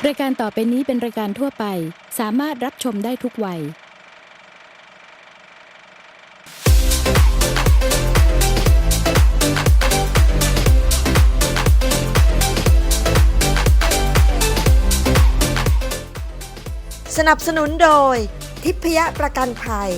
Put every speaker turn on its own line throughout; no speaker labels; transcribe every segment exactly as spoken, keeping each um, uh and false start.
รายการต่อไปนี้เป็นรายการทั่วไปสามารถรับชมได้ทุกวัย
สนับสนุนโดยทิพยประกันภัย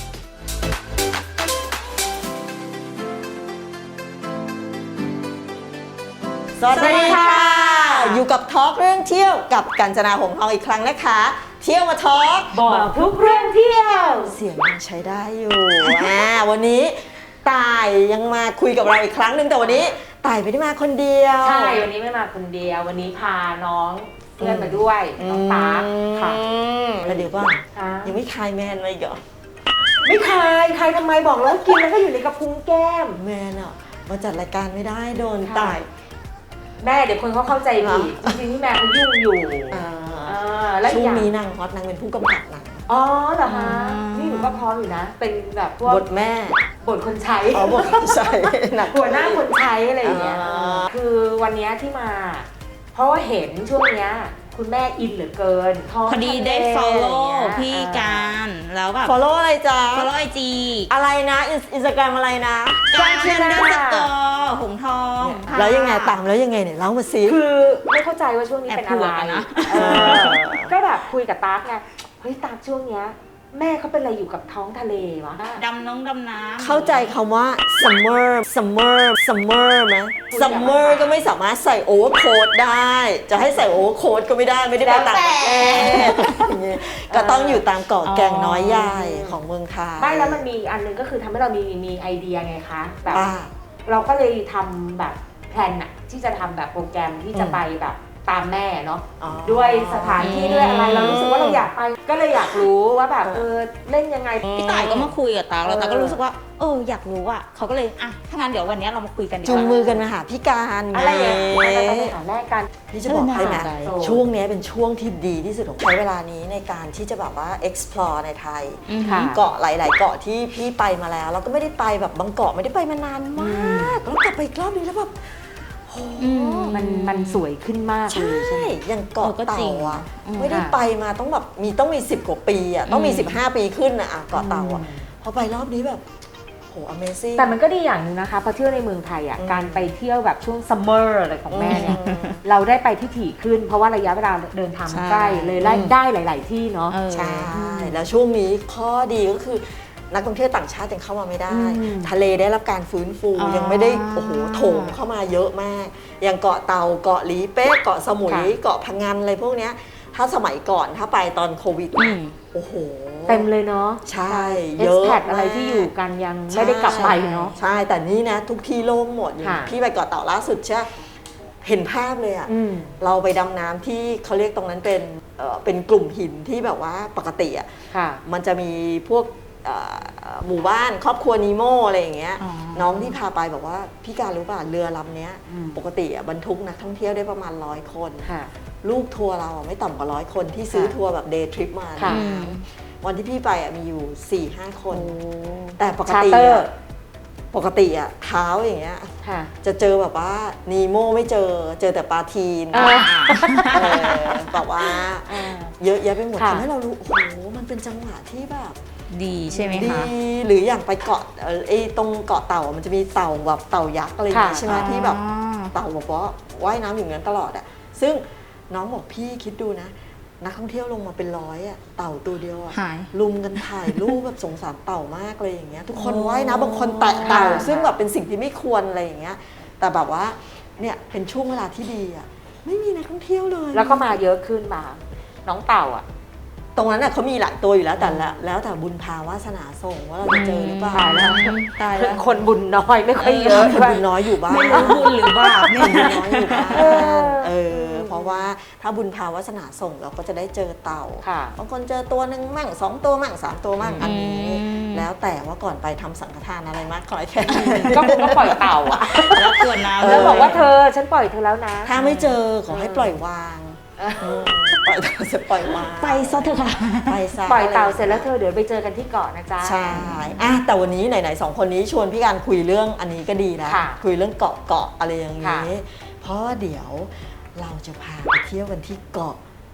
สวัสดีค่ะอยู่กับทอล์กเรื่องเที่ยวกับกัญจนาหงส์ทองอีกครั้งนะคะเที่ยวมาทอล์ก
บอกทุกเรื่องเที่ยว
เสียงยังใช้ได้อยู่อ่าวันนี้ตายยังมาคุยกับเราอีกครั้งหนึ่งแต่วันนี้ตายไม่ได้มาคนเดียว
ใช่วันนี้ไม่มาคนเดียววันนี้พาน้องเพื่อนมาด้วยน้องตาค่ะ
แล้วเดี๋ยวก่อนยังไม่คลายแมนเลยเหรอ
ไม่คลายคลายทำไมบอกแล้วกินแล้วก็อยู่ในกระพุ้งแก้ม
แมนอ่ะมาจัดรายการไม่ได้โดนตาย
แม่เดี๋ยวคนเขาเข้าใจผิดจริงๆที่แม่เขายุ่งอยู่
ช่วงนี้นางฮอตนางเป็นผู้กำกับหนัง
อ๋อเหรอคะนี่หนูก็พร้อมอยู่นะเป็นแบบพวก
บทแม่
บทคนใช้
อ๋อบทคนใช้
หัวหน้าคนใช้อะไรอย่างเงี้ยคือวันนี้ที่มาเพราะว่าเห็นช่วงเนี้ยคุณแม่อินเหลือเกิน
พอดีได้ follow พี่การแล้วแบบ
follow อะไรจ๊ะ
follow ไอจี
อะไรนะอินสตาแกรมอะไรนะ
การเชนเดอร์สกอร์หงทอง
แล้วยังไงตามแล้วยังไงเนี่ยเล่ามาสิ
คือไม่เข้าใจว่าช่วงนี้เป็นอะไรนะก็แบบคุยกับตาร์กไงเฮ้ยตาร์กช่วงเนี้ยแม่เขาเป็นอะไรอยู่กับท้องทะเลวะ
ดำน้องดำน้
ำเข้าใจคำว่า summer summer summer ไหม summer ก็ไม่สามารถใส่โอเวอร์โค้ทได้จะให้ใส่โอเวอร์โค้ทก็ไม่ได้ไม่ได้ไปต่างประเทศก็ต้องอยู่ตามเกาะแก่งน้อยใหญ่ของเมืองไทย
ไม่แล้วมันมีอันนึงก็คือทำให้เรามีมีไอเดียไงคะแบบเราก็เลยทำแบบแพลนอะที่จะทำแบบโปรแกรมที่จะไปแบบตามแม่เนาะด้วยสถานที่ด้วยอะไรเรารู้สึกว่าเราอยากไปก็เลยอยากรู้ว่าแบบเออเล่นยังไง
พี่ต่ายก็มาคุยกับตาแล้วตาก็รู้สึกว่าเอออยากรู้อ่ะเขาก็เลยอ่ะถ้างั้นเดี๋ยววันนี้เรามาคุยกันดีกว่า
จูงมือกันมาหาพี่การ
อะไรอย่างเงี้ยเราไปหาแม่กัน
นี่จะบอกให้ไหมช่วงนี้เป็นช่วงที่ดีที่สุดของใช้เวลานี้ในการที่จะแบบว่า explore ในไทยเกาะหลายๆเกาะที่พี่ไปมาแล้วเราก็ไม่ได้ไปแบบบางเกาะไม่ได้ไปมานานมากแล้วกลับไปอีกรอบนึงแล้วแบบ
มันมันสวยขึ้นมากเลย
ใช่อย่างเกาะเต่าอ่ะไม่ได้ไปมาต้องแบบมีต้องมีสิบกว่าปีอ่ะต้องมีสิบห้าปีขึ้นอ่ะเกาะเต่าอ่ะพอไปรอบนี้แบบโห Amazing
แต่มันก็ดีอย่างนึงนะคะพอเที่ยวในเมืองไทยอ่ะการไปเที่ยวแบบช่วงซัมเมอร์อะไรของแม่เนี่ยเราได้ไปที่ถี่ขึ้นเพราะว่าระยะเวลาเดินทางใกล้เลยได้หลายๆที่เนาะ
ใช่แล้วช่วงนี้ข้อดีก็คือนักท่องเที่ยวต่างชาติยังเข้ามาไม่ได้ทะเลได้รับการฟื้นฟูยังไม่ได้โอ้โหโถมเข้ามาเยอะมากอย่างเกาะเต่าเกาะหลีเป๊ะเกาะสมุยเกาะพังงานอะไรพวกเนี้ยถ้าสมัยก่อนถ้าไปตอนโควิดโอ้โห
เต็มเลยเนาะ
ใช่
เยอะอะไรที่อยู่กันยังไม่ได้กลับไปเนาะ
ใช่แต่นี่นะทุกที่โล่งหมดพี่ไปเกาะเต่าล่าสุดใช่เห็นภาพเลยอ่ะเราไปดำน้ำที่เขาเรียกตรงนั้นเป็นเป็นกลุ่มหินที่แบบว่าปกติอ่ะมันจะมีพวกหมู่บ้านครอบครัวนีโมอะไรอย่างเงี้ยน้องที่พาไปบอกว่าพี่การรู้ป่ะเรือลำนี้ปกติบรรทุกนักท่องเที่ยวได้ประมาณร้อยคนลูกทัวร์เราไม่ต่ำกว่าร้อยคนที่ซื้อทัวร์แบบเดย์ทริปมาวันที่พี่ไปมีอยู่ สี่ห้า คนแต่ปกติปกติอะเท้าอย่างเงี้ยจะเจอแบบว่านีโมไม่เจอเจอแต่ปลาทีนแบบว่าเยอะแยะไปหมดทำให้เรารู้โอ้โหมันเป็นจังหวะที่แบบ
ดีใช่ไหมคะ
ดีหรืออย่างไปเกาะไอ้ตรงเกาะเต่ามันจะมีเต่าแบบเต่ายักษ์อะไรอย่างเงี้ยใช่ไหมที่แบบเต่าบอกว่าว่ายน้ำอยู่นั้นตลอดอ่ะซึ่งน้องบอกพี่คิดดูนะนักท่องเที่ยวลงมาเป็นร้อยอ่ะเต่าตัวเดียวอ่ะลุมกันถ่ายรูปแบบสงสารเต่ามากเลยอย่างเงี้ยทุกคนว่ายน้ำบางคนแตะเต่าซึ่งแบบเป็นสิ่งที่ไม่ควรอะไรอย่างเงี้ยแต่แบบว่าเนี่ยเป็นช่วงเวลาที่ดีอ่ะไม่มีนักท่องเที่ยวเลย
แล้วก็มาเยอะขึ้นมาน้องเต่าอ่ะ
ตรงนั้นน่ะเขามีหลายตัวอยู่แล้วแต่ละแล้วแต่บุญพาวาสนาส่งว่าเราจะเจอหรือเปล่าแล้ว
ตายแล้วคนบุญน้อยไม่ค่อยเยอะ
คนบุญน้อยอยู่บ้าน
ไม่รู้บุญหรือบาป
เนี่ยบุญน้อยอยู่บ้านเออเพราะว่าถ้าบุญพาวาสนาส่งเราก็จะได้เจอเต่าบางคนเจอตัวหนึ่งมั่งสองตัวมั่งสามตัวมั่งอันนี้แล้วแต่ว่าก่อนไปทำสังฆทานอะไรมากขอแค่
ก็คงก็ปล่อยเต่าอ่ะ
แล้วตัวน้ำ
แล้วบอกว่าเธอฉันปล่อยเธอแล้วนะ
ถ้าไม่เจอขอให้ปล่อยวางปล่อยเต่าเสร็จปล่อยวาง
ไปซะเถอะค่ะ
ไปซะ
ปล่อยเต่าเสร็จแล้วเธอเดี๋ยวไปเจอกันที่เกาะนะจ๊ะ
ใช่อะแต่วันนี้ไหนๆสองคนนี้ชวนพี่การคุยเรื่องอันนี้ก็ดีนะคุยเรื่องเกาะเกาะอะไรอย่างนี้เพราะเดี๋ยวเราจะพาไปเที่ยวกันที่เกาะ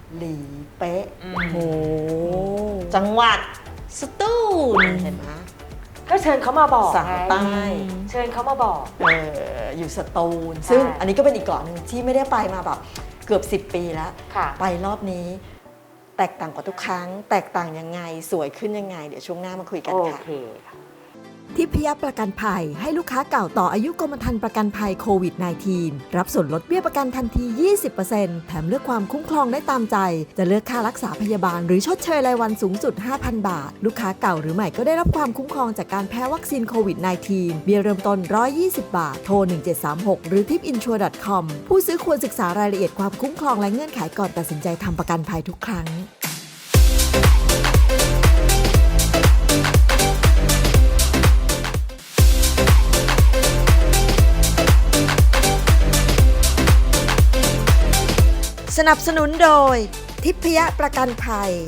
หลีเป๊ะ
อืม
โอ้โห
จังหวัด
สตูล
เห็นไหม
ก็เชิญเขามาบอก
สั่ง
ไง
ใต้
เชิญเขามาบอก
เอออยู่สตูล
ใช่
ซึ่งอันนี้ก็เป็นอีกเกาะหนึ่งที่ไม่ได้ไปมาแบบเกือบสิบปีแล้ว
ค่ะ
ไปรอบนี้ แตกต่างกว่าทุกครั้ง แตกต่างยังไงสวยขึ้นยังไง เดี๋ยวช่วงหน้ามาคุยกัน
โอ
ค่ะ
เคค่ะ
ทิพยประกันภัยให้ลูกค้าเก่าต่ออายุกรมธรรม์ประกันภัยโควิด สิบเก้า รับส่วนลดเบี้ยประกันทันที ยี่สิบเปอร์เซ็นต์ แถมเลือกความคุ้มครองได้ตามใจ จะเลือกค่ารักษาพยาบาลหรือชดเชยรายวันสูงสุด ห้าพัน บาท ลูกค้าเก่าหรือใหม่ก็ได้รับความคุ้มครองจากการแพ้วัคซีนโควิด สิบเก้า เบี้ยเริ่มต้น หนึ่งร้อยยี่สิบ บาท โทร หนึ่งเจ็ดสามหก หรือ ทิปอินชัวร์ ดอท คอม ผู้ซื้อควรศึกษารายละเอียดความคุ้มครองและเงื่อนไขก่อนตัดสินใจทำประกันภัยทุกครั้ง สนับสนุนโดย ทิพยประกันภัย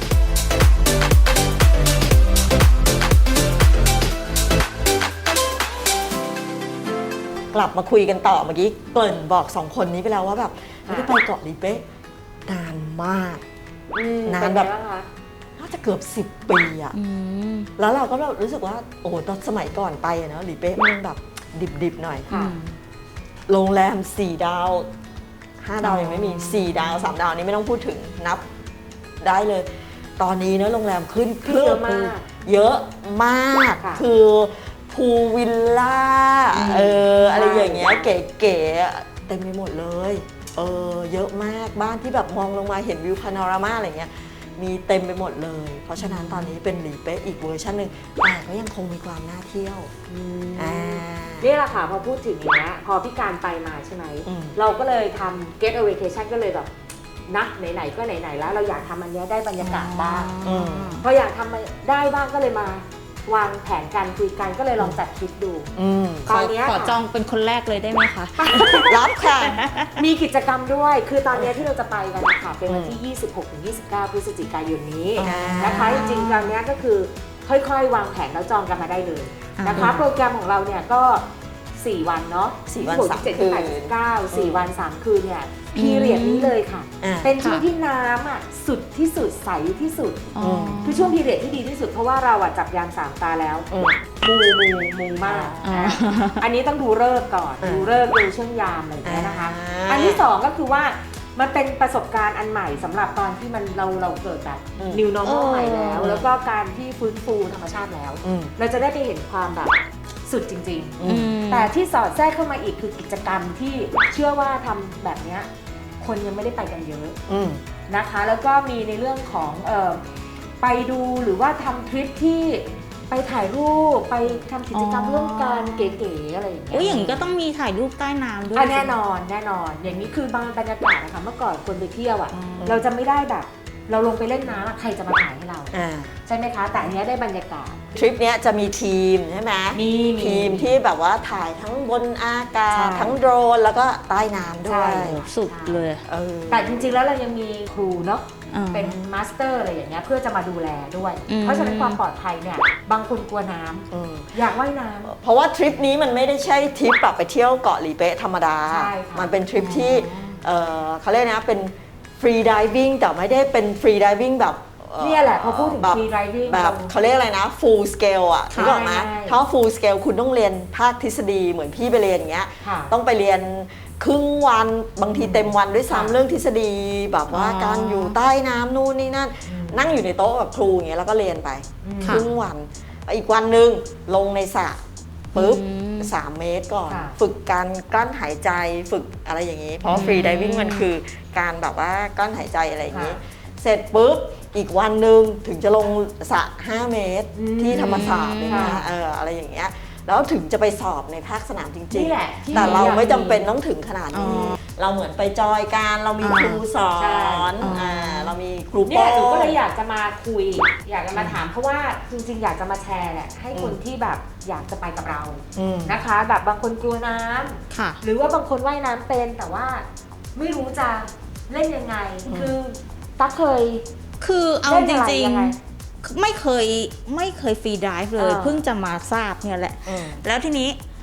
กลับมาคุยกันต่อเมื่อกี้เกริ่นบอกสองคนนี้ไปแล้วว่าแบบไม่ได้ไปเกาะหลีเป๊ะนานมาก
อืม
นาน
เป็ไง
แบบ
งคะ
น่าจะเกือบสิบปีอะ
อืม
แล้วเราก็แบบรู้สึกว่าโอ้โหตอนสมัยก่อนไปอะเนาะหลีเป๊ะมันยังแบบดิบๆหน่อย
ค่ะ
โรงแรมสี่ดาวห้าดาวยังไม่มีสี่ดาวสามดาวนี้ไม่ต้องพูดถึงนับได้เลย ตอนนี้เนอะโรงแรมขึ้น
ขึ้นเยอะมาก
เยอะมาก
ค่ะ
คือพูลวิลล่าเอออะไรอย่างเงี้ยเก๋ๆเต็มไปหมดเลยเออเยอะมากบ้านที่แบบมองลงมาเห็นวิวพาโนรามาอะไรเงี้ยมีเต็มไปหมดเลย เพราะฉะนั้นตอนนี้เป็นหลีเป๊ะอีกเวอร์ชันหนึ่งแต่ก็ยังคงมีความน่าเที่ยวอ่า
นี่แหละค่ะพอพูดถึงอย่างเงี้ยพอพี่การไปมาใช่ไหม
อืม
เราก็เลยทำ get a vacation ก็เลยแบบนะไหนๆก็ไหนๆแล้วเราอยากทำอันเนี้ยได้บรรยากาศบ้าง
อืม
พออยากทำได้บ้างก็เลยมาวางแผนการคุยกันก็เลยลองจัดทริปดู
อืม
ตอนเนี้ย
ขอจองเป็นคนแรกเลยได้ไหมคะ
รับค่ะ
มีกิจกรรมด้วย คือตอนเนี้ยที่เราจะไปกันนะคะเป็นวันที่ ยี่สิบหกถึงยี่สิบเก้า พฤศจิกายนนี้
อ่าน
นะคะจริงๆตอนเนี้ยก็คือค่อยๆ วางแผนแล้วจองกันมาได้เลยนะคะ
อ่า
โปรแกรมของเราเนี่ยก็ สี่ วันเนาะ
สี่วัน
ยี่สิบหก
สาม
ยี่สิบ
คื
เจ็ด
น
ยี่สิบแปด ยี่สิบเก้า สี่ วัน สาม คืนเนี่ยพีเรียดนี้เลยค่ะ
อ่า
เป็นช่วง
ค่ะ
ที่น้ำอ่ะสุดที่สุดใสที่สุด
อ๋อ
คือช่วงพีเรียดที่ดีที่สุดเพราะว่าเราอ่ะจับยามสามตาแล้ว
อืม
มูมูมูมาก
อ่า
นะอันนี้ต้องดูเลิกษ์ก่อน
อ่า
ดูเลิกษ์ดูช่วงยามอะไรอย่างเงี้ยนะคะ
อ่า
อันที่สองก็คือว่ามันเป็นประสบการณ์อันใหม่สำหรับตอนที่มันเราเราเกิดแบบ
อืม
new normal
เออ
ใหม่แล้ว แล้วก็การที่ฟื้นฟูธรรมชาติแล้ว
อืม
เราจะได้ไปเห็นความแบบสุดจริง
อืม
ๆ แต่ที่สอดแทรกเข้ามาอีกคือกิจกรรมที่เชื่อว่าทำแบบเนี้ยคนยังไม่ได้ไปกันเยอะ
อืม
นะคะแล้วก็มีในเรื่องของเออไปดูหรือว่าทำทริปที่ไปถ่ายรูปไปทำกิจกรรม
อ๋อ
ร่วมกันเก๋ๆอะไรอย่างเงี้ย
อุ้ยอย่างนี้ก็ต้องมีถ่ายรูปใต้น้ำด้วย
อ่ะแน่นอนแน่นอนอย่างนี้คือบางบรรยากาศนะคะเมื่อก่อนคนไปเที่ยวอ่ะ
อืม
เราจะไม่ได้แบบ เราลงไปเล่นน้ำอะใครจะมาถ่ายให้เรา
อ่า
ใช่ไหมคะ แต่อันเนี้ยได้บรรยากาศ
ทริปเนี้ยจะมีทีมใช่ไหม
มีมี
ทีมที่แบบว่าถ่ายทั้งบนอากา
ใช่
ศ ทั้งโดรนแล้วก็ใต้น้ำด้
ใช่
วย
โอ้สุดเลย
เออ
แต่จริงๆแล้วเรายังมีครูเนาะ
อ่า
เป็นมาสเตอร์อะไรอย่างเงี้ยเพื่อจะมาดูแลด้วย
อืม
เพราะฉะนั้นความปลอดภัยเนี่ยบางคนกลัวน้ำ
อืม
อยากว่ายน้ำ
เพราะว่าทริปนี้มันไม่ได้ใช่ทริปแบบไปเที่ยวเกาะหลีเป๊ะธรรมดา
ใช่ค่ะ
มันเป็นทริปที่เออเขาเรียกนะเป็นฟรีดิวิ่งแต่ไม่ได้เป็นฟรีดิวิ่งแบบอ่อ
เนี่ยแหละพอพูดถึง
แบบ
free diving
แบบเขาเรียกอะไรนะ full scale อ่ะ
ใช่
ถูกต้องไหม
ใช่
ถ้า full scale คุณต้องเรียนภาคทฤษฎีเหมือนพี่ไปเรียนอย่างเงี้ย
ค่ะ
ต้องไปเรียนครึ่งวันบางทีเต็มวันด้วย
ค่ะ
ซ้ำเรื่องทฤษฎีแบบว่า
อ๋อ
การอยู่ใต้น้ำนู่นนี่นั่น
อืม
นั่งอยู่ในโต๊ะกับครูอย่างเงี้ยแล้วก็เรียนไป
อืม
ครึ่งวัน อีกวันหนึ่งลงในสระปุ๊บ
อืม
สามเมตรก่อน
ค่ะ
ฝึกการกลั้นหายใจฝึกอะไรอย่างนี้ เพราะฟรีดิวิ่งมันคือการแบบว่ากลั้นหายใจอะไรอย่างนี้ เสร็จปุ๊บอีกวันหนึ่งถึงจะลงสระห้าเมตร
อืม
ที่ธรรมศาสตร์เลยนะ
ค่ะ
เอออะไรอย่างเงี้ยแล้วถึงจะไปสอบในภาคสนามจริง
นี่แหละที่
ๆ แต่เรา
อยาก
ไม่จำเป็นต้องถึงขนาดนี้
อ๋อ
เราเหมือนไปจอยการเรามี
อ่า
ครูสอ
ใช่
นอ่าเรามีครู
เนี่
โป้
ยหนูก็เลยอยากจะมาคุย อยากจะมาถามเพราะว่าจริงๆ อยากจะมาแชร์แหละให้คนที่แบบอยากจะไปกับเรา
อืม
นะคะ แบบบางคนกลัวน้ำ
ค่ะ
หรือว่าบางคนว่ายน้ำเป็นแต่ว่าไม่รู้จะเล่นยังไง คือตั๊กเคย
คือเอา
เล่น
จ
อะไร
ริง
ยังไง
ๆ ไม่เคยไม่เคยฟรีไดิฟเลย
อ่า
เพิ่งจะมาทราบเนี่ยแหละ
อืม
แล้วทีนี้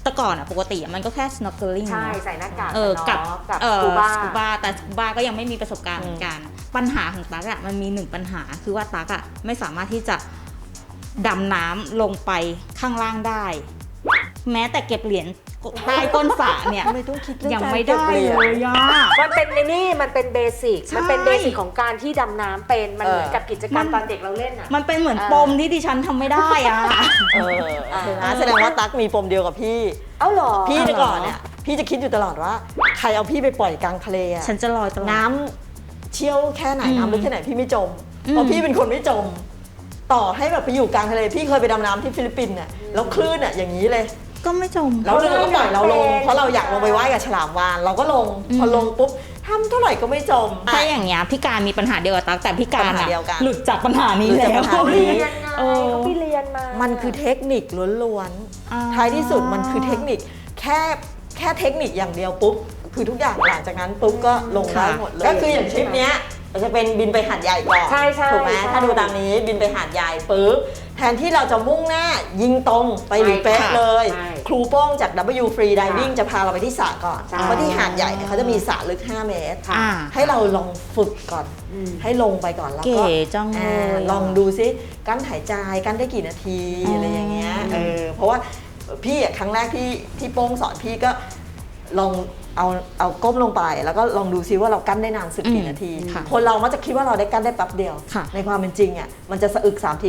แต่ก่อนอะปกติอะมันก็แค่ snorkeling
ใช่ใส่หน้ากาก
เออกับ
เนาะกับ
เอ
ส
อ
กูบ้า
สกูบาแต่สกูบาก็ยังไม่มีประสบการณ์เหมือนกันปัญหาของตั๊กอะมันมีหนึ่งปัญหาคือว่าตั๊กอะไม่สามารถที่จะดำน้ำลงไปข้างล่างได้ แม้แต่เก็บเหรียญใต้ก้นสระเนี่ย
ไม่ต้องคิดเรื่อง
ยัง
การ
ไม่
เก็บ
ได้
เหรียญ
เลยย่า
มันเป็นในนี่มันเป็นเบสิก
ใช่
มันเป็นเบสิกของการที่ดำน้ำเป็นมัน
เออ
เหมือนกับกิจกรรม
มัน
ตอนเด็กเราเล่นอ่ะ
มันเป็นเหมือน
เออ
ปมที่ดิฉันทำไม่ได้อะ
เออนะแสดงว่าตั๊กมีปมเดียวกับพี่
เอ้าเหรอ
พี่แต่ก่อนเนี่ยพี่จะคิดอยู่ตลอดว่าใครเอาพี่ไปปล่อยกลางทะเลอะ
ฉันจะลอยตลอด
น้ำเชี่ยวแค่ไหน
อืม
น้ำลึกแค่ไหนพี่ไม่จม
อืม
เพราะพี่เป็นคนไม่จม ต่อให้แบบไปอยู่กลางทะเลพี่เคยไปดำน้ำที่ฟิลิปปินส์เนี่ยแล้วคลื่นอ่ะอย่างนี้เลย
ก็ไม่จม
แล้วเราก็ปล่อยเราลง เพราะเราอยากลงไปว่ายกับฉลามวาฬเราก็ลง
อืม
พอลงปุ๊บทำเท่าไหร่ก็ไม่จม
ถ้าอย่างเงี้ยพี่การมีปัญหาเดียวกับตั๊กแต่พี่การ
ปัญหา
อะ
เดียวกัน
หลุดจากปัญหานี้
หลุด
แล้
จาก
ว
ปัญหานี้
เรียนไง
เออ
เขาไปเรียนมา
มั
มัน
คือเทคนิคล้วน
อ่า
ๆท้ายที่สุดมันคือเทคนิคแค่แค่เทคนิคอย่างเดียวปุ๊บคือทุกอย่างหลังจากนั้นปุ๊บก็ลงได้หมดเลยก็คืออย่างทริปเนี้ยเราจะเป็นบินไปหาดใหญ่ก่อน
ใช่ใช่
ถูกไหม
ใช่
ถ้าดูตามนี้บินไปหาดใหญ่ปุ๊บแทนที่เราจะมุ่งหน้ายิงตรงไปหลีเป๊ะ
ใช่ค่ะ
เลย
ใช่
ครูโป้งจาก ดับเบิลยู Free Diving
ค่ะ
จะพาเราไปที่สระก่อน
ใช่
เพราะที่หาดใหญ่เนี่ยเขาจะมีสระลึกห้าเมตร
อ่า
ให้เราลองฝึกก่อน
อืม
ให้ลงไปก่อนแล้ว
เก๋
ก็
จังเล
อ่าย ลองดูซิกั้นหายใจกั้นได้กี่นาที
อ๋ออ
อะไรอย่างเงี้ยเออเพราะว่าพี่อะครั้งแรกที่ที่โป้งสอนพี่ก็ลองเอาเอาก้มลงไป แล้วก็ลองดูซิว่าเรากั้นได้นานสุดกี่นาที
ค่ะ
คนเรามักจะคิดว่าเราได้กั้นได้แป๊บเดียว
ค่ะ
ในความเป็นจริงอ่ะมันจะสะอึกสามที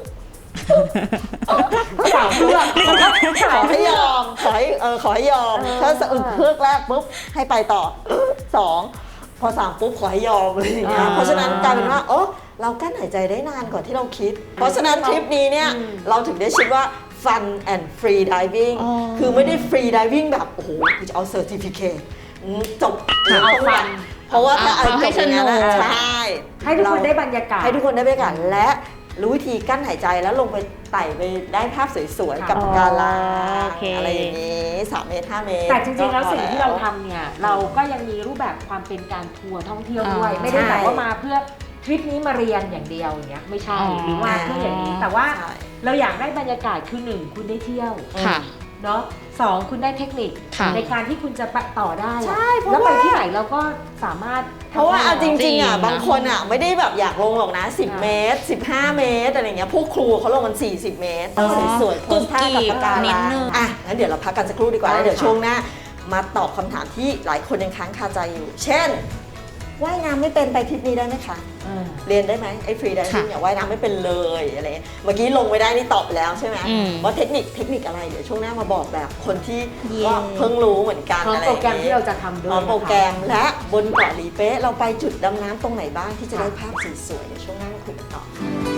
สาวเพื่อน
ขอให้ยอมขอให้เออขอให้ยอม ถ้าสะอึกเพือกแรกปุ๊บให้ไปต่อสองพอสามปุ๊บขอให้ยอมอะไรอย่างเงี้ยเพราะฉะนั้นกลายเป็นว่าโอ้เรากั้นหายใจได้นานกว่าที่เราคิด เพราะฉะนั้นทริปนี้เนี่ยเราถึงได้ชื่อว่า fun and free diving
อ๋อ
คือไม่ได้ free diving แบบโอ้โหกูจะเอา certificate อืมจบ
เอา fun
เพราะว่าถ้าเอา
เอาให้
จบอย่างนั้น
สนุ
อะ
ก
ใช่
ให้ทุกคนได้บรรยากาศ
ให้ทุกคนได้บรรยากาศและรู้วิธีกั้นหายใจแล้วลงไปไต่ไปได้ภาพสวยๆ กับ
อ๋อ
ปะการัง
โอเค
อะไรอย่างนี้สามเมตรห้าเมตร
แต่จริงๆ แล้ว
ก็พอ
สิ่งที่เราทำเนี่ยเราก็ยังมีรูปแบบความเป็นการทัวร์ท่องเที่ยวด้วย
อ่า
ไม่ได้แบบ
ใช่
ว่ามาเพื่อทริปนี้มาเรียนอย่างเดียวอย่างเงี้ยไม่ใช่
อ๋อ
หรือว่าเพื่ออย่างนี้แต่ว่า
ใช่
เราอยากได้บรรยากาศคือหนึ่งคุณได้เที่ยว
ค่ะ
เนาะสองคุณได้เทคนิค
ค่ะ
ในการที่คุณจะไปต่อได้อะ
ใช่เพราะ
แล้วไป
ว่า
ที่ไหนเราก็สามารถทำ
เพราะว่า
ได้
เอาจริงๆอ่ะ
จริงนะ
บางคนอ่ะไม่ได้แบบอยากลงหรอกนะสิบ
ค่ะ
เมตรสิบห้าเมตรอะไรเงี้ยพวกครูเขาลงกันสี่สิบเมตร
อ๋อ
สวยๆโพสท่ากับปะการ
นิ
ั
ด
ง
นึง
อ่ะงั้นเดี๋ยวเราพักกันสักครู่ดีกว่า
ได้
แล้วเดี๋ยว
ค่ะ
ช่วงหน้ามาตอบคำถามที่หลายคนยังค้างคาใจอยู่ เช่นว่ายน้ำไม่เป็นไปทริปนี้ได้ไหมคะ
เออ
เรียนได้ไหมไอ้ฟรีไดวิ่งเนี่ยว่ายน้ำไม่เป็นเลยอะไรเงี้ยเมื่อกี้ลงไม่ได้นี่ตอบไปแล้วใช่ไหม
อืม
ว่าเทคนิคเทคนิคอะไรเดี๋ยวช่วงหน้ามาบอกแบบคนที่
เย้
ก็เพิ่งรู้เหมือนกัน
พร้อม
อะไร
โปร
อย่ง
แกรม
งี้
ที่เราจะทำด้วย
พร้อมโปรแกรม
นะคะ
และบนเกาะหลีเป๊ะเราไปจุดดำน้ำตรงไหนบ้างที่จะได้ภาพสวยๆเดี๋ยวช่วงหน้ามาคุยกันต่อ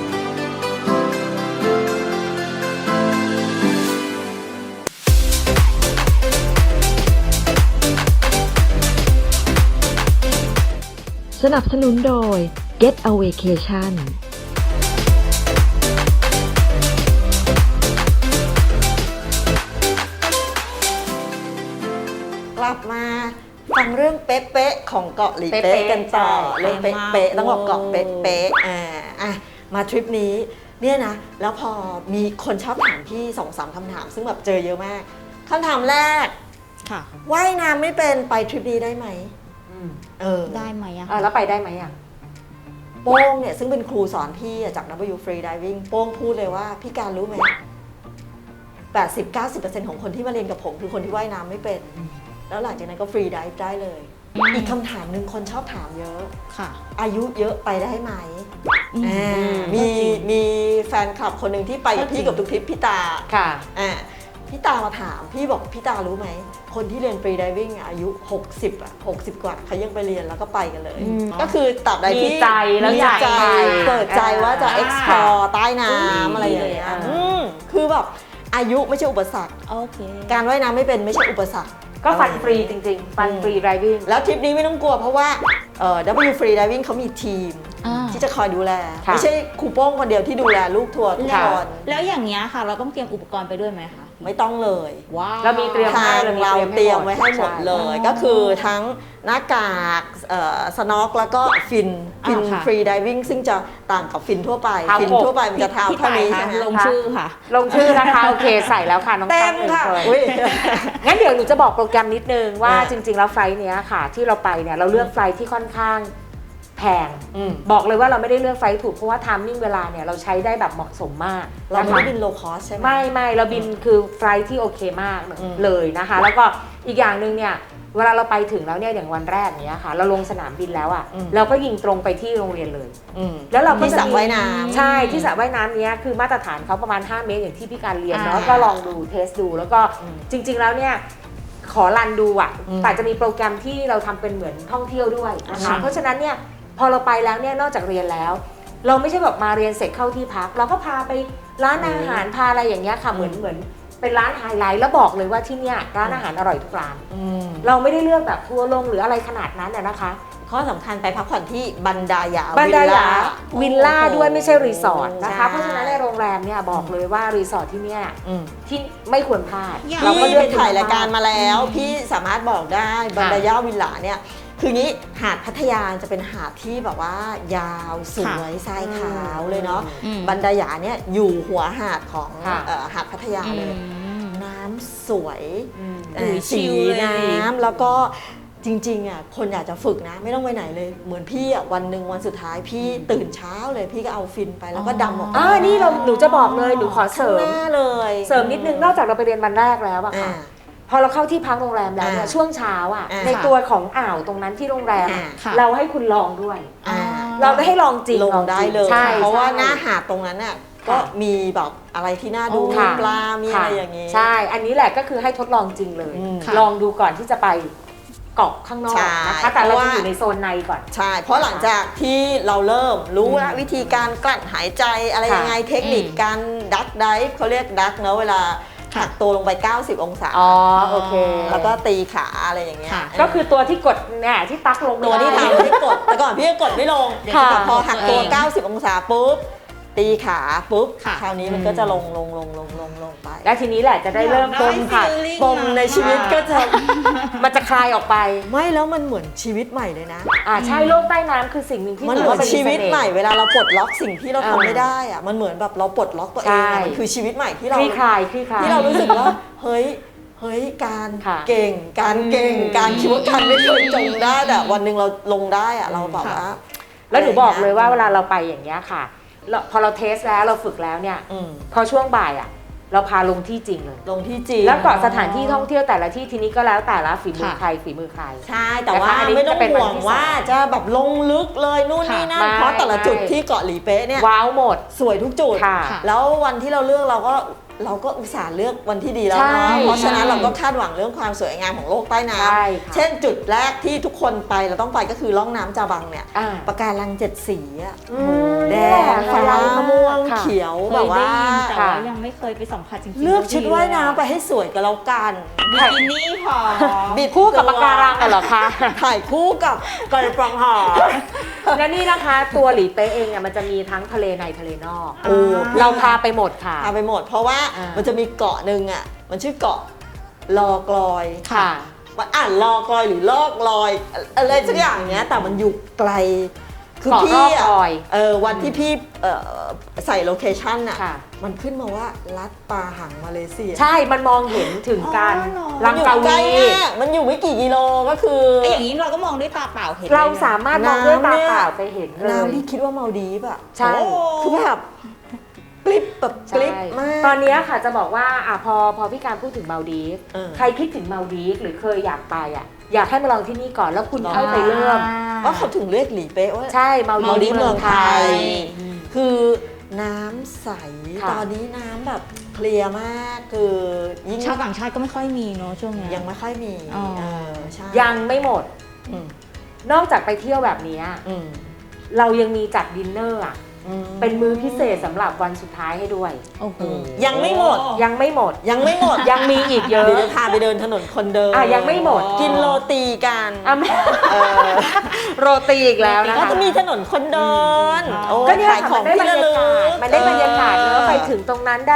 สนับสนุนโดย Get a Vacation
กลับมาฟังเรื่องเป๊ะๆของเกาะหลีเป๊ะ
เป๊ะๆ
กันต่อ
ใช่
เรื่องเป๊ะๆต้องบอกเกาะเป๊ะๆอ่าอ่ะมาทริปนี้เนี่ยนะแล้วพอมีคนชอบถามพี่สองสามคำถาม ซึ่งแบบเจอเยอะมากคำถามแรก
ค่ะ
ว่ายน้ำไม่เป็นไปทริปนี้ได้ไหม
อืม
เออ
ได้ไหมอะ
เออแล้วไปได้ไหมอ่ะ
โป้งเนี่ยซึ่งเป็นครูสอนพี่อะจาก ดับเบิลยู Free Diving โป้งพูดเลยว่าพี่การรู้ไหม แปดสิบถึงเก้าสิบเปอร์เซ็นต์ ของคนที่มาเรียนกับผมคือคนที่ว่ายน้ำไม่เป็น แล้วหลังจากนั้นก็ฟรีไดฟ์ได้เลย อีกคำถามหนึ่งคนชอบถามเยอะ
ค่ะ
อายุเยอะไปได้ไหม
อืม
อ่ามีมีแฟนคลับคนหนึ่งที่ไปกับพี่กับทุกทริปพี่ตา
ค่ะ
อ่าพี่ตามาถาม พี่บอกพี่ตารู้ไหม คนที่เรียนฟรีไดวิ่งอายุหกสิบอ่ะหกสิบกว่าเขายังไปเรียนแล้วก็ไปกันเลย
อืม
ก็คือตราบใดที่
มีใจแล้ว
มี
อยาก
ใจ
ไป
เปิดใจว่าจะ
อ่า
explore ใต้น้ำอะไรอย่างเงี้ย
อ่า
อืมคือแบบอายุไม่ใช่อุปสรรค
โอเค
การว่ายน้ำไม่เป็นไม่ใช่อุปสรรค
ก็ฟันฟรีจริงๆ ฟันฟรีไรวิ่ง
แล้วทริปนี้ไม่ต้องกลัวเพราะว่าเอ่อ ดับเบิลยู Free Diving เขามีทีม
อ่า
ที่จะคอยดูแล
ค่ะ
ไม่ใช่ครูโป้งคนเดียวที่ดูแลลูกทัวร์ทุก
แล้ว
คน
แล้วอย่างเงี้ยค่ะ เราต้องเตรียมอุปกรณ์ไปด้วยไหมคะ
ไม่ต้องเลย
ว้าว
เรามีเตรียม
ทางเราเตรียมไว้ให้หมดเลย
ใช่
ก็คือทั้งหน้ากากสน็อกแล้วก็ฟินฟิน
อ่าค่ะ
ฟรีดิวิ่งซึ่งจะต่างกับฟินทั่วไป
เท้า
ฟิน
อก
ทั่วไปมันจะเท้า
พี่
เท่า
ตาย
นี้
ค่ะ
ใช่ไหม
ลงชื่อค่ะ
ลงชื่อนะคะโอเคใส่แล้วค่ะน้อง
เต็
ตั้
ม
งหนึ่ง
ค่ะ
คน
อุ๊ย
งั้นเดี๋ยวหนูจะบอกโปรแกรมนิดนึงว่า
อ่า
จริงๆแล้วไฟล์เนี้ยค่ะ ที่เราไปเนี่ยเราเลือกไฟล์ที่ค่อนข้างแพง
อืม
บอกเลยว่าเราไม่ได้เลือกไฟล์ถูกเพราะว่าไทมิ่งเวลาเนี่ยเราใช้ได้แบบเหมาะสมมาก
เรา
นะคะ
ไม่ได้บินโลคอสใช่ไหม
ไม่ไม่เราบินคือไฟล์ที่โอเคมาก
อืม
เลยนะคะ แล้วก็อีกอย่างหนึ่งเนี่ยเวลาเราไปถึงแล้วเนี่ยอย่างวันแรกเนี้ยค่ะ เราลงสนามบินแล้วอ่ะเราก็ยิงตรงไปที่โรงเรียนเลย
อืม
แล้วเราก็
ที่สระว่ายน้ำ
ใช่ที่สระว่ายน้ำเนี้ยคือมาตรฐานเขาประมาณห้าเมตรอย่างที่พี่การเรียนเนาะ
อ่า
ก็ลองดูเทสดูแล้วก็
อืม
จริง ๆแล้วเนี่ยขอรันดูอ่ะ
อืม
แต่จะมีโปรแกรมที่เราทำเป็นเหมือนท่องเที่ยวด้วยนะคะ
อืม
เพราะฉะนั้นเนี่ยพอเราไปแล้วเนี่ยนอกจากเรียนแล้ว เราไม่ใช่แบบมาเรียนเสร็จเข้าที่พัก เราก็พาไปร้านอาหารพาอะไรอย่างเงี้ยค่ะเหมือนเหมือนเป็นร้านไฮไลท์แล้วบอกเลยว่าที่เนี่ยร้านอาหารอร่อยทุกร้าน
อืม
เราไม่ได้เลือกแบบทัวร์ลงหรืออะไรขนาดนั้นอะนะคะ
ข้อสำคัญไปพักผ่อนที่บันดาญา
บันดาลา
วิ
วิ
ล
ล
ล่า
ล่าด้วยไม่ใช่รีสอร์ทนะคะ
ใช่
เพราะฉะนั้นในโรงแรมเนี่ยบอกเลยว่ารีสอร์ทที่เนี่ย
อืม
ที่ไม่ควรพลาด
อย่าง
เราก็
พี่
เลื
ไป
อก
ถ่ายรายการมาแล้ว พี่สามารถบอกได้บันดาญาวิลล่าเนี่ยคืองี้หาดพัทยาจะเป็นหาดที่แบบว่ายาวสวยทรายขาวเลยเนาะ
อืม
บันดาญาเนี่ยอยู่หัวหาดของ
ค่ะ
เอ่อหาดพัทยา
อื
เลย
ม
น้ำสวย
อืม
เอ่อ
อุ้ยชิ
สี
ลเลย
น้ำแล้วก็จริงๆอ่ะคนอยากจะฝึกนะ ไม่ต้องไปไหนเลย เหมือนพี่อ่ะวันหนึ่งวันสุดท้ายพี่ตื่นเช้าเลยพี่ก็เอาฟินไปแล้วก็ดำออก
อ่านี่เราหนูจะบอกเลยหนูขอเส
ข้าง
ริม
หน้าเลย
เสริมนิดนึงนอกจากเราไปเรียนวันแรกแล้วอะค่ะ
อ่า
พอเราเข้าที่พักโรงแรมแล้วเนี่ย
อ่า
ช่วงเช้าอะ
อ่า
ในตัวของอ่าวตรงนั้นที่โรงแรมอะ
อ่า
ค่ะ
เราให้คุณลองด้วย
อ่า
เราได้ให้ลองจริง
ลงได้เลย
ใช่
เพราะว่า
ใช่
หน้าหาดตรงนั้นน่ะก็มีแบบอะไรที่น่าดู
อ๋อ
มี
ค่ะ
ปลา มีอะไรอย่าง
นี้
นี้
ใช่ อันนี้แหละก็คือให้ทดลองจริงเลย
อืม
ลองดูก่อนที่จะไปเกาะข้างนอก
ใช่
นะคะแต่เรา
เพราะ
จะ
ว่า
อยู่ในโซนในก่อน
ใช่ เพราะหลังจากที่เราเริ่มรู้แล้ว
อืม
วิธีการกลั้นหายใจอะไร
ค่ะ
ยังไงเทคนิค
อืม
การดักไดฟ์เขาเรียกดักเนอะเวลา
ค่ะ
หักตัวลงไป เก้าสิบ องศา
อ๋อโอเค
แล้วก็ตีขาอะไรอย่างเงี้ย
ค่ะ
เออ
ก็คือตัวที่กดเนี่ยที่ตักลง
ตัวที่
ไม่ได้
ทำที่กด แต่ก่อนพี่ก็กดไม่ลง
ค่ะ
แต่พอหักตัว
เอง
เก้าสิบ องศาปุ๊บ ตีขาปุ๊บ
ค่ะ
คราวนี้มันก็จะลงลงลงลงลงลงไป
และทีนี้แหละจะได้เริ่ม
อยาก
ป
ได้
มค่ะ
feeling
ปมในชีวิตก็จะ
มันจะคลายออกไป
ไม่แล้วมันเหมือนชีวิตใหม่เลยนะ
อ่าใช่โลกใต้น้ำคือสิ่งหนึ่งที่
มัน
ถื
เหมื
ว่า
อน
ป็
ชีวิต
เสน่ห์
ใหม่เวลาเราปลดล็อกสิ่งที่เรา
เออ
ทำไม่ได้อะมันเหมือนแบบเราปลดล็อกตัวเอง
ใช่
อะมันคือชีวิตใหม่ที่
ค
เรา
ลี่คลายคลี่คลาย
ที่เรารู้สึกว่า เฮ้ยเฮ้ยการ
ค่ะ
เก่ง การเก่ง
อืม
การคิดว่าการไม่เคยจงได้แต่วันหนึ่งเราลงได้อะเราแบบ
ค่ะ
ว่า
แล้วหนูบอกเลยว่าเวลาเราไปอย่างเงี้ยค่ะเราพอเราเทสแล้วเราฝึกแล้วเนี่ย
อืม
พอช่วงบ่ายอ่ะเราพาลงที่จริงเลย
ลงที่จีน
แล้วก็สถานที่ท่องเที่ยวแต่ละที่ทีนี้ก็แล้วแต่ละฝีมือ
ค่ะ
ใครฝีมือใคร
ใช่แต่ว่า
นะคะอันนี้
ไม่ต้อง
จะเป็น
ห่ว
วัน
ง
ที่
ว่าจะแบบลงลึกเลยนู่นนี่นั่น
ค่ะ
เพราะแต่ละ
ไม่
จุด
ไม่
ที่เกาะหลีเป๊ะเนี่ย
ว้าวหมด
สวยทุกจุด
ค่ะ
ค่ะ
แล้ววันที่เราเลือกเราก็เราก็อุตส่าห์เลือกวันที่ดีแล้ว
ใช่
เนาะเพราะฉะนั้น
ใช่
เราก็คาดหวังเรื่องความสวยงามของโลกใต้น้
ใช่ค่ะ
ำเช่นจุดแรกที่ทุกคนไปเราต้องไปก็คือล่องน้ำจาบังเนี่ย
อ่า
ปะการังเจ็ดสีอะ
อืม
แด
นี่หละ
งฟ้า
ไฮไลท์
ม่วง
ค่ะ
เขียว
เค
แบบ
ยได้
ว่า
ยินแต่
ค่ะ
ว่ายังไม่เคยไปสัมผัสจริงๆ
เลือกชุดว่ายน้ำไปให้สวยกับเรากัน
บิกินี่พอ
บิด
คู่กับปะการังอะเหรอคะ
ถ่ายคู่กับกระปรองหอ
และนี่นะคะตัวหลีเป๊ะเองเนี่ยมันจะมีทั้งทะเลในทะเลนอก
โอ้
เราพาไปหมดค่ะ
พาไปหมด เพราะว่า
อ่ามั
มันจะมีเกาะหนึ่งอ่ะมันชื่อเกาะลอกลอย
ค่ะ
มันอ่านลอกลอยหรือลอกลอยอะไรสักอย่างเนี้ยแต่มันอยู่ไกล คือ
เกาะ
พี่
รอบ
อะ
ลอย
เออวันที่พี่เอ่อใส่โลเคชั่นอ่ะ
ค่ะ
มันขึ้นมาว่าลัดปาหังมาเลเซีย
ใช่มันมองเห็นถึงการ
อ๋อเหรอ
ลังกา
ใกล้
วี
มากมันอยู่ไม่กี่กิโลก็คือ
ไอ้อย่างนี้เราก็มองด้วยตาเปล่าเห็น
เรา
ลยนะ
สามารถมองด้วยตาเปล่าไปเห็นเลย
น้ำที่คิดว่ามาลดีฟอะ
ใช่
โอ้คือแบบกลิบแบบกลิบมาก
ตอนเนี้ยค่ะจะบอกว่าอ่ะพอพอพี่การพูดถึงมาลดีฟ
เออ
ใครคิดถึงมาลดีฟหรือเคยอยากไปอ่ะอยากให้มาลองที่นี่ก่อนแล้วคุณ
ลอง
ค่อยไปเริ่ม
ว่าเขาถึงเรียกหลีเป๊ะว่า
ใช่มาล
มาลดี
ดี
ฟ
ฟ
เมื
เมื
อ
อง ง
ไท
ไท
ย
ย
คือน้ำใส
ค่ะ
ตอนนี้น้ำแบบเคลียร์มากคือยิ่ง
ชาวต่างชาติก็ไม่ค่อยมีเนาะช่วงเนี้ย
ยังไม่ค่อยมี
อ๋อ
เออใช่
ยังไม่หมด
อืม
นอกจากไปเที่ยวแบบเนี้ย
อืม
เรายังมีจัดดินเนอร์อ่ะ
อืม
เป็นมื้อพิเศษสำหรับวันสุดท้ายให้ด้วย
โอ้โห
ยังไม่หมด
ยังไม่หมด
ยังไม่หมด
ยังมีอีกเยอะ
เดี๋ยวจะพาไปเดินถนนคนเดิน
อ่ะยังไม่หมด
กินโรตีกัน
อ่ะไม่
เออ
โรตีอีกแล้วนะ
ก็
คะ
จะมีถนนคนเดิน
อืม
โอ้
ก็เนี่ย
ขายของ
มันได้
ที่
บรร
ระ
ยา
ลึ
กาศ
ก
มันได้บรรยากาศ
ออ
แล้วไปถึงตรงนั้นได้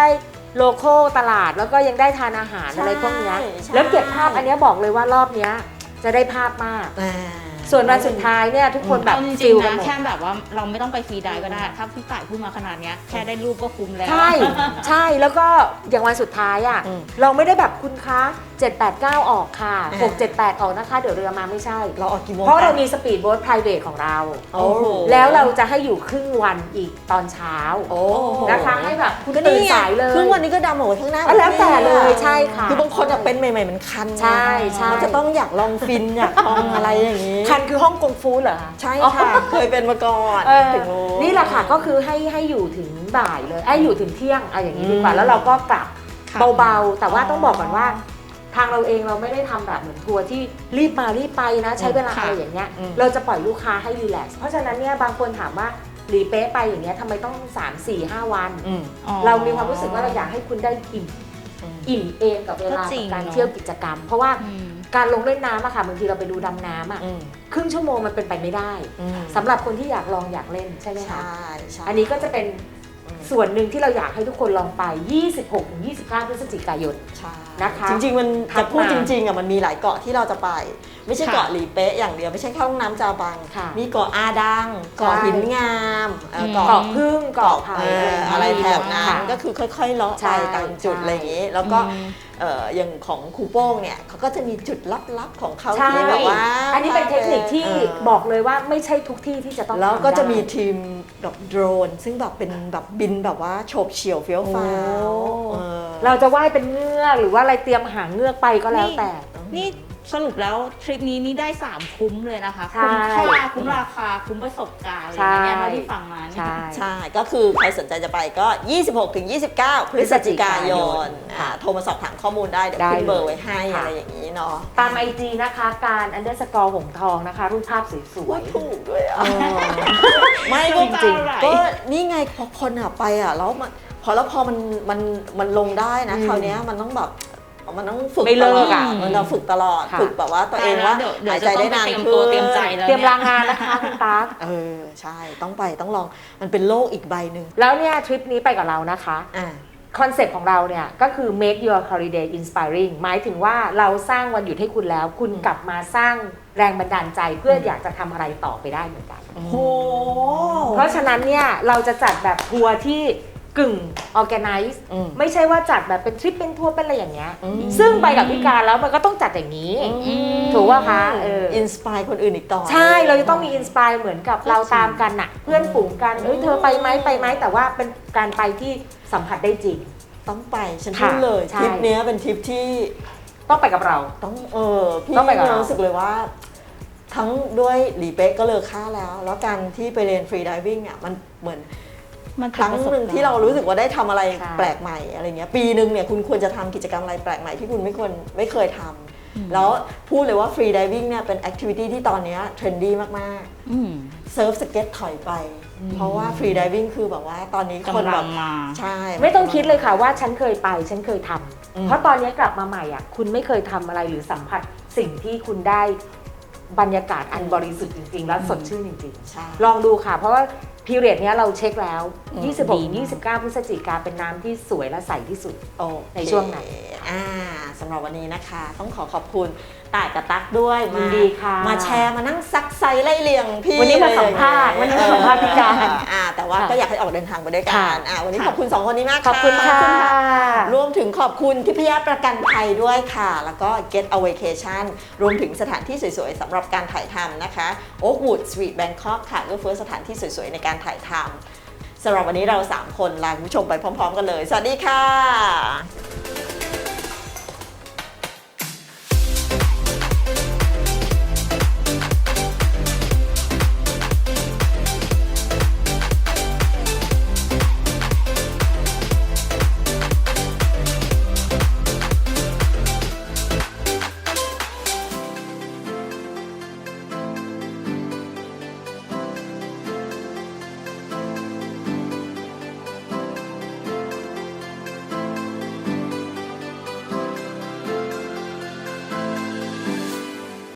โลโก้ตลาดแล้วก็ยังได้ทานอาหาร
ใช่
อะไรพวกเนี้ย
ใช่
แล้วเก็บภาพอันเนี้ยบอกเลยว่ารอบเนี้ยจะได้ภาพมาก
อ่า
ส่วนวันสุดท้ายเนี่ยทุกคนแบบ
เอาจริ
ฟิ
ง
ล
ๆ
กัน
นะ
หมด
แค่แบบว่าเราไม่ต้องไปฟรีไดฟ์ก็ได้ ถ้าพี่ต่ายพูดมาขนาดเนี้ยแค่ได้รูปก็คุ้มแล้ว
ใช่ใช่แล้วก็อย่างวันสุดท้ายอ่ะ
อืม
เราไม่ได้แบบคุณคะเจ็ด แปด เก้าออกค่ะ
อ่า
หก เจ็ด แปดออกนะคะเดี๋ยวเรือมาไม่ใช่
เราออกกี่โมง
เพราะเรา
ค
มีสปีดโบ๊ท private ของเรา
โอ้โห
แล้วเราจะให้อยู่ครึ่งวันอีกตอนเช้า
โอ้โห
นะคะให้แบบคุณ
ก็
ตื่น
นี่ไง
สายเลย
ครึ่งวันนี้ก็ดำเอาไว้ข้างหน้า
ก็แล้วแต่เลยใช่ค่ะ
คือบางคนอะเป็นใหม่ๆมันคันไง
ใช่ใช่
มันจะต้องอยากลองฟินอยากลองอะไรอย่างนี้
คันคือห้องกงฟูเหรอคะ
ใช่ค่ะ เคยเป็นมาก่อน
เออ
ถึงรู้
นี่แหละค่ะก็คือให้ให้อยู่ถึงบ่ายเลยไอ้ยอยู่ถึงเที่ยงอะอย่างนี้ดีกว่า
อืม
แล้วเราก็กลับ
ค่ะ
เบาๆ แต่ว่าต้องบอกก่อนว่า ทางเราเองเราไม่ได้ทำแบบเหมือนทัวร์ที่รีบมารีบไปนะ ใช้เวลา
ค่ะ
อะไรอย่างเงี้ย
อืม
เราจะปล่อยลูกค้าให้รีแลกซ์เพราะฉะนั้นเนี่ยบางคนถามว่าหลีเป๊ะไปอย่างเงี้ยทำไมต้อง สาม สี่ ห้า วัน
อืม
อ๋อ
เรามีความรู้สึกว่าเราอยากให้คุณได้อิ่ม
อืม
อิ่มเองกับเวลา
ก็จริ
กับ
ง
การ
เนอะ
เที่ยวกิจกรรม เพราะว่า
อืม
การลงเล่นน้ำอะค่ะบางทีเราไปดูดำน้ำอะ
อืม
ครึ่งชั่วโมงมันเป็นไปไม่ได้
อืม
สำหรับคนที่อยากลองอยากเล่นใช่ไหมคะ
ใช่ใช่
อันนี้ก็จะเป็น
อืม
ส่วนหนึ่งที่เราอยากให้ทุกคนลองไป ยี่สิบหกถึงยี่สิบเก้า พฤศจิกายน
ใช่
นะคะ
จริงๆมัน
ทั
จะ
ก
พูด
มา
จริงๆอ่ะมันมีหลายเกาะที่เราจะไป ไม่ใช่
ค่ะ
เกาะหลีเป๊ะอย่างเดียวไม่ใช่แค่ห้องน้ำจาบัง
ค่ะ
มีเกาะอาดังเกาะ
ใช่
หินงามเอ่อ
อืม
เกาะ
เกาะพึ่งเกาะไผ่
เอ่ออะไรแถบนั้
ค่ะ
นก็คือค่อยๆเลาะ
ใช่
ไปตามจุด
ใช่
อะไรอย่างนี้ แล้วก็
อืม
เอ่ออย่างของครูโป้งเนี่ยเขาก็จะมีจุดลับๆของเขา
ใช่
ที่แบบว่า
อันนี้เป็นเทคนิคที่
เออ
บอกเลยว่าไม่ใช่ทุกที่ที่จะต้อง
แล้ว
ทำ
ก็จะ
ได้
มีทีมแบบโดรน ซึ่งแบบเป็นแบบบินแบบว่าโฉบเฉี่ยวเฟี้ยวฟ้าว
โอ้
เออ
เราจะว่ายเป็นเงือกหรือว่าอะไรเตรียมหางเงือกไปก็แล้วแต่
นี่สรุปแล้วทริปนี้นี่ได้สามคุ้มเลยนะคะ
ใช่
คุ้มค่าคุ้มราคาคุ้มประสบการณ์อะไรอย่างเงี้ย
ใช่
เท่าที่ฟังมาเนี่ย
ใช่
ใช่ ก็คือใครสนใจจะไปก็ ยี่สิบหกถึงยี่สิบเก้า พฤศจิกายนอ่าโทรมาสอบถามข้อมูลได้ เดี๋ยว
ได้
ขึ้นเบอร์
เลย
ไว้ให้
ค่ะ
อะไรอย่างนี้เนาะ
ตามไอจีนะคะการอันเดอร์สกอร์หงทองนะคะ รูปภาพส
พู
ว
ด
ย
ถูกด้วยอ่ะ
ๆเออ
ไม่ก็
จริง
ๆ
ก็นี่ไงพอคนอ่ะไปอ่ะแล้วมันพอแล้วพอมันมันมันลงได้นะ
อืม
คราวเนี้ยมันต้องแบบมันต้องฝึก
ไม่
ต
เลิ
ลอก ด
อะ
มันเราฝึกตลอด
ค่ะ
ฝึกแบบว่าตัวเองว่า
เดี๋ยวเดี๋ยว
หาย
จะ
ใจ
ต้อ
ได้
งไป
นาน
เตรียม
ขึ้
ตัวน เตรียมใจแล้ว
เตรียม
นี่
ลางานนะคะคุณตั๊ก
เออใช่ต้องไปต้องลองมันเป็นโลกอีกใบหนึ่ง
แล้วเนี่ยทริปนี้ไปกับเรานะคะ
อ่า
คอนเซ็ปต์ของเราเนี่ยก็คือ make your holiday inspiring หมายถึงว่าเราสร้างวันหยุดให้คุณแล้ว คุณกลับมาสร้างแรงบันดาลใจเพื่ออยากจะทำอะไรต่อไปได้เหมือนกัน
โห
เพราะฉะนั้นเนี่ยเราจะจัดแบบทัวร์ที่กึ่ง organize
อืม
ไม่ใช่ว่าจัดแบบเป็นทริปเป็นทัวร์เป็นอะไรอย่างเงี้ย
อืม
ซึ่งไปกับพี่การแล้วมันก็ต้องจัดอย่างนี้
อืม
ถูกป่ะคะเออ
อินสปายคนอื่นอีกต่อ
ใช่ เราจะต้องมีอินสปายเหมือนกับเราตามกันน่ะ เพื่อนฝูงกัน เอ้ยเธอไปไหมไปไหมแต่ว่าเป็นการไปที่สัมผัสได้จริง
ต้องไปฉัน
ค่ะ
พูดเลย
ใช่
ทริปเนี้ยเป็นทริปที่
ต้องไปกับเรา
ต้องเออพี่
ต้องไปกับเรา
รู้สึกเลยว่า ทั้งด้วยหลีเป๊ะก็เลอค่าแล้ว แล้วการที่ไปเรียนฟรีดิวิ่งอ่ะมันเหมือน
มัน
ครั้งหนึ่งที่เรารู้สึกว่าได้ทำอะไร
ใช่
แปลกใหม่อะไรเงี้ยปีหนึ่งเนี่ยคุณควรจะทำกิจกรรมอะไรแปลกใหม่ที่คุณไม่ควรไม่เคยทำแล้วพูดเลยว่าฟรีดิวิ่งเนี่ยเป็นแอคทิวิตี้ที่ตอนเนี้ยเทรนดี้มาก
อืม
ๆเซิร์ฟสเก็ตถอยไป เพราะว่าฟรีดิวิ่งคือแบบว่าตอนนี้คน
กำ
แบ
ลั
บ
งมา
ใช่
ไม่ต้องคิดเลยค่ะว่าฉันเคยไป ฉันเคยทำ
อืม
เพราะตอนนี้กลับมาใหม่อ่ะคุณไม่เคยทำอะไรหรือสัมผัสสิ่งที่คุณได้บรรยากาศอันบริสุทธิ์จริงๆ แล้วสดชื่นจริง
ใช่
ๆ ลองดูค่ะ เพราะว่าพีเรียดนี้ยเราเช็คแล้ว
อืม
ยี่สิบหก
ดีมาก
ยี่สิบเก้า พฤศจิกาเป็นน้ำที่สวยและใสที่สุด
โอเค
ในช่วงไหน
อ่าสำหรับวันนี้นะคะ ต้องขอขอบคุณต่ายกับตั๊กด้วย
ยิ
มาน
ดีค่ะ
มาแชร์มานั่งซักไซไล่เลียงพี่
วันนี้มา
เลย
สัมภาษณ์วันนี้มาสัมภาษณ์พี่การ
เอออ่าแต่ว่า
ค่ะ
ก็อยากให้ออกเดินทางไปด้วยกั
ค่ะ
นอ่าวันนี้
ค่ะ
ขอบคุณสองคนนี้มาก
ขอบคุณค่ะ
รวมถึงขอบคุณทิพยประกันภัยด้วยค่ะ แล้วก็ Get a Vacation รวมถึงสถานที่สวยๆสำหรับการถ่ายทำนะคะ Oakwood Street Bangkok ค่ะเอื้อเฟื้อสถานที่สวยๆในการถ่ายทำสำหรับวันนี้เราสามคนลาคุณผู้ชมไปพร้อมๆกันเลย สวัสดีค่ะ